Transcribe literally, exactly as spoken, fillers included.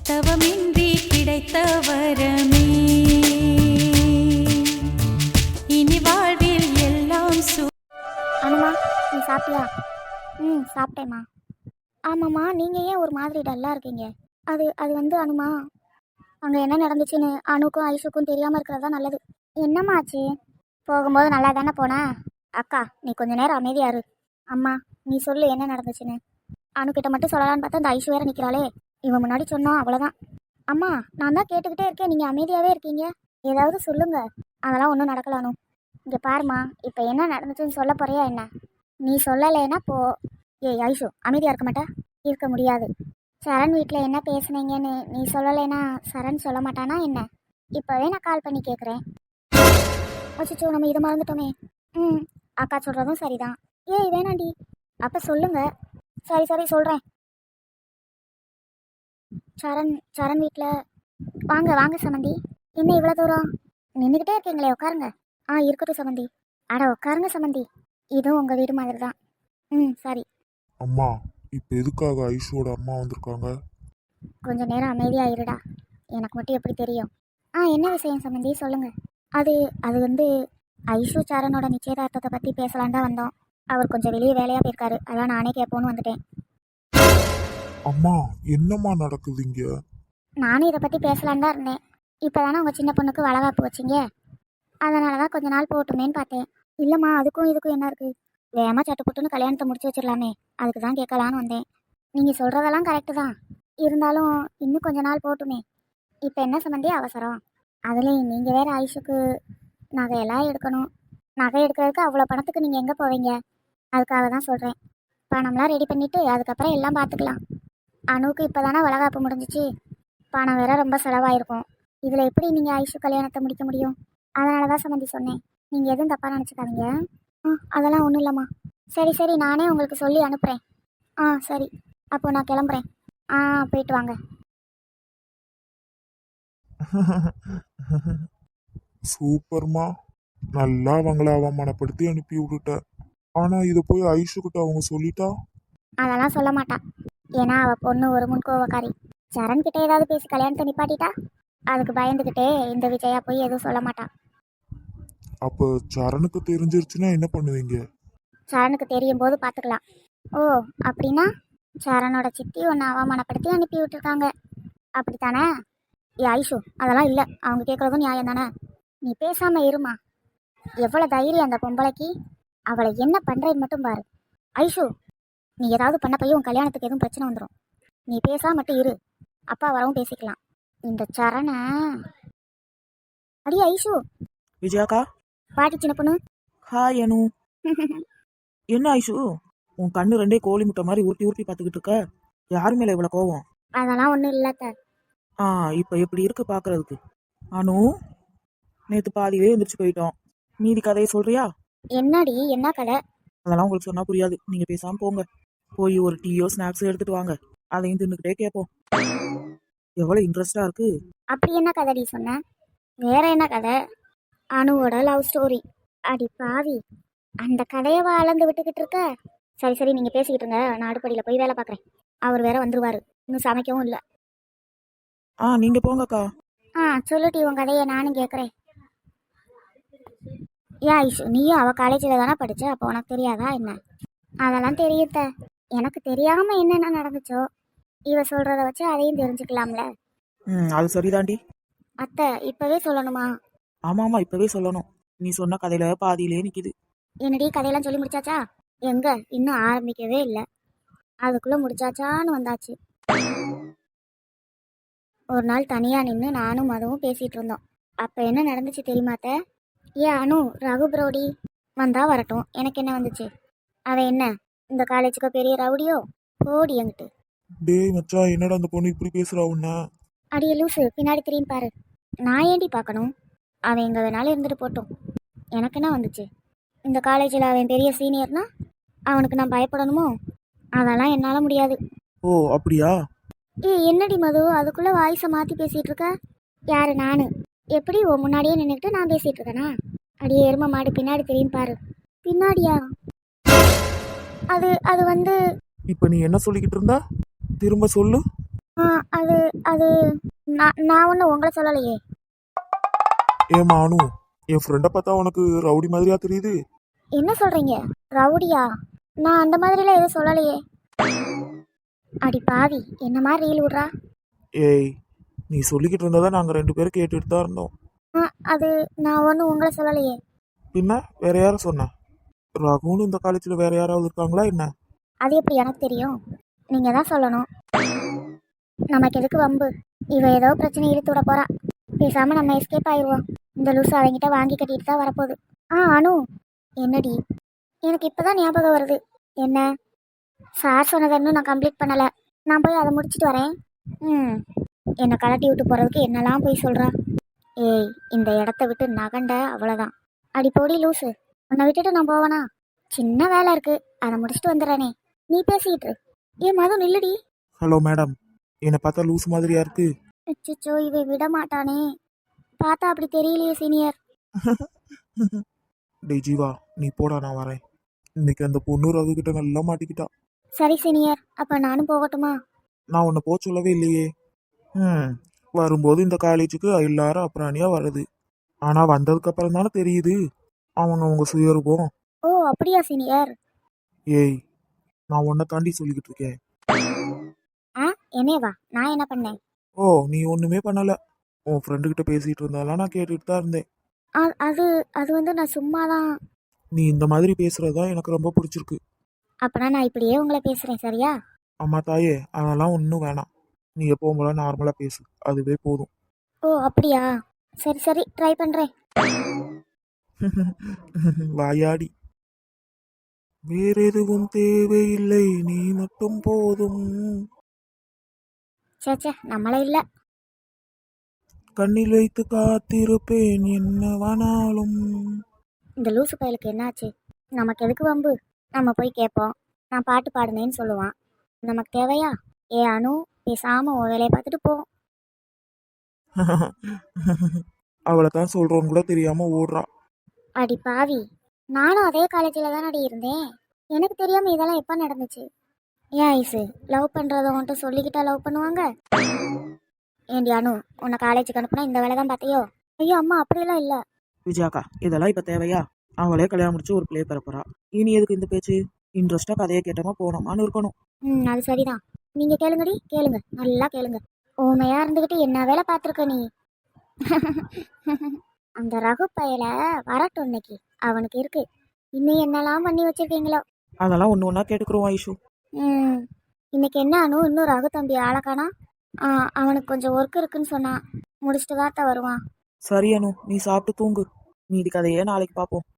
தவமின்றி கிடைத்த வரமே இனி வாழ்வில் எல்லாம் சு அனுமா, நீ சாப்பிட்டியா? ம் சாப்பிட்டேம்மா. ஆமாம்மா, நீங்கள் ஏன் ஒரு மாதிரி டல்லாக இருக்கீங்க? அது அது வந்து அனுமா, அங்கே என்ன நடந்துச்சுன்னு அனுக்கும் ஐஷுக்கும் தெரியாமல் இருக்கிறது தான் நல்லது. என்னம்மா ஆச்சு? போகும்போது நல்லா தானே போனா? அக்கா, நீ கொஞ்ச நேரம் அமைதியா இரு. அம்மா, நீ சொல்லு என்ன நடந்துச்சுன்னு. அணுக்கிட்ட மட்டும் சொல்லலான்னு பார்த்தா இந்த ஐஷு வேற நிற்கிறாளே. இவன் முன்னாடி சொன்னோம், அவ்வளோதான். அம்மா, நான் தான் கேட்டுக்கிட்டே இருக்கேன், நீங்கள் அமைதியாகவே இருக்கீங்க. ஏதாவது சொல்லுங்க. அதெல்லாம் ஒன்றும் நடக்கல அனு. இங்கே பாருமா, இப்போ என்ன நடந்துச்சுன்னு சொல்ல போறியா என்ன? நீ சொல்லலைன்னா போ. ஏய் ஐஷு, அமைதியாக இருக்க மாட்டா? இருக்க முடியாது. சரண் வீட்டில் என்ன பேசுனீங்கன்னு நீ சொல்லலைன்னா சரண் சொல்ல மாட்டானா என்ன? இப்போவே நான் கால் பண்ணி கேட்குறேன். அச்சோ, நம்ம இதை மறந்துட்டோமே. ம் அக்கா சொல்கிறதும் சரிதான். ஏய் வேணாண்டி. அப்போ சொல்லுங்க. சரி சரி சொல்கிறேன். சரண் சரண் வீட்டில் வாங்க வாங்க சமந்தி. என்ன இவ்வளோ தூரம் நின்றுக்கிட்டே இருக்கீங்களே, உட்காருங்க. ஆ இருக்கட்டும் சமந்தி. அட உட்காருங்க சமந்தி, இதுவும் உங்கள் வீடு மாதிரி தான். ம் சரி. அம்மா, இப்போ எதுக்காக ஐஷோட அம்மா வந்திருக்காங்க? கொஞ்சம் நேரம் அமைதியாக இருடா, எனக்கு மட்டும் எப்படி தெரியும்? ஆ என்ன விஷயம் சம்மந்தி, சொல்லுங்கள். அது அது வந்து ஐஷு சரணோட நிச்சயதார்த்தத்தை பற்றி பேசலான் தான் வந்தோம். அவர் கொஞ்சம் வெளியே வேலையாக போயிருக்காரு, அதான் நானே கேட்போன்னு வந்துட்டேன். அம்மா, என்னம்மா நடக்குது இங்க? நானும் இதை பற்றி பேசலான் தான் இருந்தேன். இப்போ தானே உங்கள் சின்ன பொண்ணுக்கு வளகாப்பு வச்சிங்க, அதனால தான் கொஞ்ச நாள் போட்டுமேன்னு பார்த்தேன். இல்லைம்மா, அதுக்கும் இதுக்கும் என்ன இருக்குது? வேகமாக சட்டு புட்டுன்னு கல்யாணத்தை முடிச்சு வச்சிடலாமே, அதுக்கு தான் கேட்கலான்னு வந்தேன். நீங்கள் சொல்கிறதெல்லாம் கரெக்டு தான், இருந்தாலும் இன்னும் கொஞ்ச நாள் போட்டுமே. இப்போ என்ன சம்மந்தி அவசரம்? அதுலேயும் நீங்கள் வேறு ஐஷுக்கு நகையெல்லாம் எடுக்கணும். நகை எடுக்கிறதுக்கு அவ்வளோ பணத்துக்கு நீங்கள் எங்கே போவீங்க? அதுக்காக தான் சொல்கிறேன். பணம்லாம் ரெடி பண்ணிவிட்டு அதுக்கப்புறம் எல்லாம் பார்த்துக்கலாம். அணுவுக்கு இப்போ தானே வளகாப்பு முடிஞ்சிச்சு, பணம் வேற ரொம்ப செலவாயிருக்கும். இதில் எப்படி நீங்கள் ஐஷு கல்யாணத்தை முடிக்க முடியும்? அதனால தான் சம்மந்தி சொன்னேன். நீங்கள் எதுவும் தப்பாக நினச்சிக்காதீங்க. ஆ அதெல்லாம் ஒன்றும் இல்லைம்மா. சரி சரி, நானே உங்களுக்கு சொல்லி அனுப்புகிறேன். ஆ சரி, அப்போ நான் கிளம்புறேன். ஆ போயிட்டு வாங்க. சூப்பர்மா, நல்லா அவங்கள அவமானப்படுத்தி அனுப்பி விட்டுட்ட. ஆனா இதை போய் ஐஷுக்கிட்ட அவங்க சொல்லிட்டா? அதெல்லாம் சொல்ல மாட்டா, ஏன்னா அவள் பொண்ணு ஒரு முன்கோவக்காரி. சரண் கிட்ட ஏதாவது பேசி கல்யாணத்தை நிப்பாட்டிட்டா அதுக்கு பயந்துக்கிட்டே இந்த விஜயா போய் எதுவும் சொல்ல மாட்டா. அப்ப சரணுக்கு தெரிஞ்சிருச்சுன்னா என்ன பண்ணுவீங்க? சரணுக்கு தெரியும் போது பார்த்துக்கலாம். ஓ அப்படின்னா சரணோட சித்தி ஒன்று அவமானப்படுத்தி அனுப்பி விட்டுருக்காங்க, அப்படித்தானே? ஏ ஐஷு, அதெல்லாம் இல்லை, அவங்க கேட்குறதும் நியாயம் தானே. நீ பேசாமல் இருமா. எவ்வளோ தைரியம் அந்த பொம்பளைக்கு! அவளை என்ன பண்ணுறேன்னு மட்டும் பாரு. ஐஷு, நீ ஏதாவது பண்ண போய் உன் கல்யாணத்துக்கு எதுவும் பிரச்சனை வந்துடும். நீ பேசாம மட்டும் இரு, அப்பா வரவும் பேசிக்கலாம். இந்த சரண அடி ஐஷு. விஜயாக்கா, பாட்டி சின்ன பொண்ணு. ஹாய் அனு. என்ன ஐஷு, உன் கண்ணு ரெண்டே கோழி முட்டை மாதிரி உருட்டி உருட்டி பார்த்துக்கிட்டு இருக்க? யாரு மேல இவ்வளோ கோவம்? அதெல்லாம் ஒன்றும் இல்லத்த. ஆ இப்போ எப்படி இருக்கு பார்க்கறதுக்கு? அனு, நேற்று பாதியிலே எந்திரிச்சு போயிட்டோம், மீதி கதையை சொல்றியா? என்னடி என்ன கதை? அதெல்லாம் உங்களுக்கு சொன்னா புரியாது, நீங்க பேசாம போங்க. போய் ஒரு டீயோ ஸ்நாக்ஸோ எடுத்துட்டு வாங்க, அதையும் தின்னுக்கிட்டே கேட்போம். எவ்வளோ இன்ட்ரெஸ்டா இருக்கு. அப்படி என்ன கதைடி சொன்ன? வேற என்ன கதை? அணுவோட லவ் ஸ்டோரி. அடி பாவி, அந்த கதையவா அளந்து விட்டுக்கிட்டு இருக்க? சரி சரி, நீங்கள் பேசிக்கிட்டு இருங்க, நான் அடுப்படியில் போய் வேலை பார்க்குறேன். அவர் வேற வந்துருவாரு, இன்னும் சமைக்கவும் இல்லை. ஆ நீங்க போங்கக்கா. ஆ சொல்லுட்டி உன் கதையை நானும் கேட்குறேன். ஏ ஐஷு, நீயும் அவள் காலேஜில் தானே படித்த, அப்போ உனக்கு தெரியாதா என்ன? அதெல்லாம் தெரியுத்த, எனக்கு தெரியாமல் என்னென்ன நடந்துச்சோ இவ சொல்கிறத வச்சு அதையும் தெரிஞ்சுக்கலாம்ல. ம் அது சரிதாண்டி. அத்தை இப்போவே சொல்லணுமா? ஆமா ஆமா, இப்பவே சொல்லணும். நீ சொன்ன கதையில பாதியிலே நிக்குது. என்னடி கதையெல்லாம் சொல்லி முடிச்சாச்சா? எங்க இன்னும் ஆரம்பிக்கவே இல்லை, அதுக்குள்ளே முடிச்சாச்சான்னு வந்தாச்சு. ஒரு நாள் தனியாக நின்று நானும் மதுவும் பேசிகிட்டு இருந்தோம். அப்போ என்ன நடந்துச்சு தெரியுமாத்த? ஏ அனு, ரகு ப்ரோடி வந்தா வரட்டும், எனக்கு என்ன வந்துச்சு? அவன் என்ன இந்த காலேஜுக்கு பெரிய ரவுடியோ? போடி என்கிட்ட. டேய் மச்சான், என்னடா அந்த பொண்ணு இப்படி பேசுறா உன்ன? அடியே லூசு, பின்னாடி திரும்பி பாரு. நான் ஏண்டி பார்க்கணும்? அவன் எங்கே வேணாலும் இருந்துட்டு போட்டோம், எனக்கு என்ன வந்துச்சு? இந்த காலேஜில் அவன் பெரிய சீனியர்னா அவனுக்கு நான் பயப்படணுமோ? அதெல்லாம் என்னால் முடியாது. ஓ அப்படியா? ஏ என்னடி மது, அதுக்குள்ளே வாய்ஸை மாற்றி பேசிகிட்டு இருக்க? யாரு நானு? எப்படி ஓ முன்னாடியே நின்றுக்கிட்டு நான் பேசிகிட்டு இருக்கேனா? அடியே எரும மாடு, பின்னாடி திரும்பி பாரு. பின்னாடியா? அது அது வந்து இப்ப நீ என்ன சொல்லிக்கிட்டு இருந்தா? திரும்ப சொல்லு. ஆ அது அது நான் நான் ஒன்றும் உங்களை சொல்லலையே. ஏமா அனு, என் ஃப்ரெண்டை பார்த்தா உனக்கு ரவுடி மாதிரியா தெரியுது? என்ன சொல்கிறீங்க? ரவுடியா? நான் அந்த மாதிரிலாம் எதுவும் சொல்லலையே. அடி பாவி, என்ன மாதிரி ரீல் விட்றா. ஏய், நீ சொல்லிக்கிட்டு இருந்ததை நாங்கள் ரெண்டு பேரும் கேட்டுட்டு தான் இருந்தோம். ஆ அது நான் ஒன்றும் உங்களை சொல்லலையே. பின்ன வேற யாரும் சொன்ன? ரகுன்னு இந்த காலேஜில் வேற யாராவது இருக்காங்களா என்ன? அது எப்படி எனக்கு தெரியும்? நீங்கள் தான் சொல்லணும். நமக்கு எதுக்கு வம்பு? இவ ஏதோ பிரச்சனை இழுத்து விட போறா. பேசாமல் நம்ம எஸ்கேப் ஆயிடுவோம். இந்த லூஸ் அவங்கிட்ட வாங்கி கட்டிட்டு தான் வரப்போகுது. ஆ அனு, என்னடி? எனக்கு இப்போ தான் ஞாபகம் வருது. என்ன? சார் சொன்னதை இன்னும் நான் கம்ப்ளீட் பண்ணலை. நான் போய் அதை முடிச்சுட்டு வரேன். ம் என்னை கலட்டி விட்டு போகிறதுக்கு என்னெல்லாம் போய் சொல்கிறா. ஏய், இந்த இடத்த விட்டு நகண்ட அவ்வளோதான். அடி போடி லூஸு, உன்னை விட்டுட்டு நான் போவேனா? சின்ன வேலை இருக்கு, அதை முடிச்சுட்டு வந்துடுறேனே. நீ பேசிக்கிட்டு இரு. ஏன் மது நில்லுடி. ஹலோ மேடம், என்னை பார்த்தா லூஸ் மாதிரியா இருக்கு? அச்சோ, இவை விட மாட்டானே. பார்த்தா அப்படி தெரியலையே சீனியர். டேய் ஜீவா, நீ போடா, நான் வரேன். இன்னைக்கு அந்த பொண்ணு ரகு கிட்ட நல்லா மாட்டிக்கிட்டா. சரி சீனியர், அப்போ நானும் போகட்டுமா? நான் உன்னை போக சொல்லவே இல்லையே. ம் வரும்போது இந்த காலேஜுக்கு எல்லாரும் அப்புறாணியா வருது. ஆனா வந்ததுக்கு அப்புறம் தானே தெரியுது அவங்க அவங்க சுயரூபம். ஓ அப்படியா சீனியர்? ஏய், நான் உன்னை தாண்டி சொல்லிக்கிட்டு இருக்கேன். ஆ என்னேவா? நான் என்ன பண்ணேன்? ஓ, நீ ஒண்ணுமே பண்ணல. உன் ஃப்ரெண்டு கிட்ட பேசிட்டு இருந்தாலாம், நான் கேட்டுட்டு தான் இருந்தேன். அ- அது அது வந்து நான் சும்மா தான். நீ இந்த மாதிரி பேசுறதுதான் எனக்கு ரொம்ப பிடிச்சிருக்கு. அப்பனா நான் இப்படியே உங்களை பேசுகிறேன், சரியா? அம்மா தாயே, அதெல்லாம் ஒன்றும் வேணாம். நீ எப்பவும் போல நார்மலா பேசு, அதுவே போதும். ஓ அப்படியா? சரி சரி, ட்ரை பண்ணுறேன். வாயாடி. வேற எதுவும் தேவையில்லை, நீ மட்டும் போதும். சே சே, நம்மளே இல்லை. கண்ணில் வைத்து காத்திருப்பேன் என்னவானாலும். இந்த லூசு பயலுக்கு என்னாச்சு? நமக்கு எதுக்கு வம்பு? நம்ம போய் கேட்போம். நான் பாட்டு பாடுனேன்னு சொல்லுவான். நமக்கு தேவையா? ஏ அனு, பேசாமல் உன் வேலையை பார்த்துட்டு போ. அவளை தான் சொல்றோன்னு கூட தெரியாம ஓடுறா. அடி பாவி, நானும் அதே காலேஜில் தானடி இருந்தேன். எனக்கு தெரியாமல் இதெல்லாம் எப்போ நடந்துச்சு? ஏன் ஐஸு, லவ் பண்ணுறத உன்ட்டு சொல்லிக்கிட்டா லவ் பண்ணுவாங்க? ஏண்டி அனு, உன்னை காலேஜுக்கு அனுப்புனா இந்த வேலை தான் பார்த்தியோ? ஐயோ அம்மா, அப்படியெல்லாம் இல்லை. விஜயாக்கா, இதெல்லாம் இப்போ தேவையா? அவளே கல்யாணம் முடிச்சு ஒரு பிளே பெற போறா. இனி எதுக்கு இந்த பேச்சு? இன்ட்ரெஸ்டா கதையை கேட்டோமா போனோமான்னு இருக்கணும். ம் அது சரிதான். நீங்கள் கேளுங்கடி, கேளுங்க, நல்லா கேளுங்க. ஊமையாக இருந்துக்கிட்டு என்ன வேலை பார்த்துருக்க நீ? அந்த ரகு பயல வரட்டும் இன்னைக்கு. அவனுக்கு இருக்கு. இன்னும் என்னெல்லாம் பண்ணி வச்சிருக்கீங்களோ. அதெல்லாம் ஒன்று ஒன்றா கேட்டுக்கிறோம் ஐஷு. ம் இன்னைக்கு என்ன அனு, இன்னும் ரகு தம்பி ஆளக்கானா? ஆ அவனுக்கு கொஞ்சம் ஒர்க் இருக்குன்னு சொன்னான். முடிச்சுட்டு தான் வருவான். சரி அனு, நீ சாப்பிட்டு தூங்கு. மீதி கதையே நாளைக்கு பார்ப்போம்.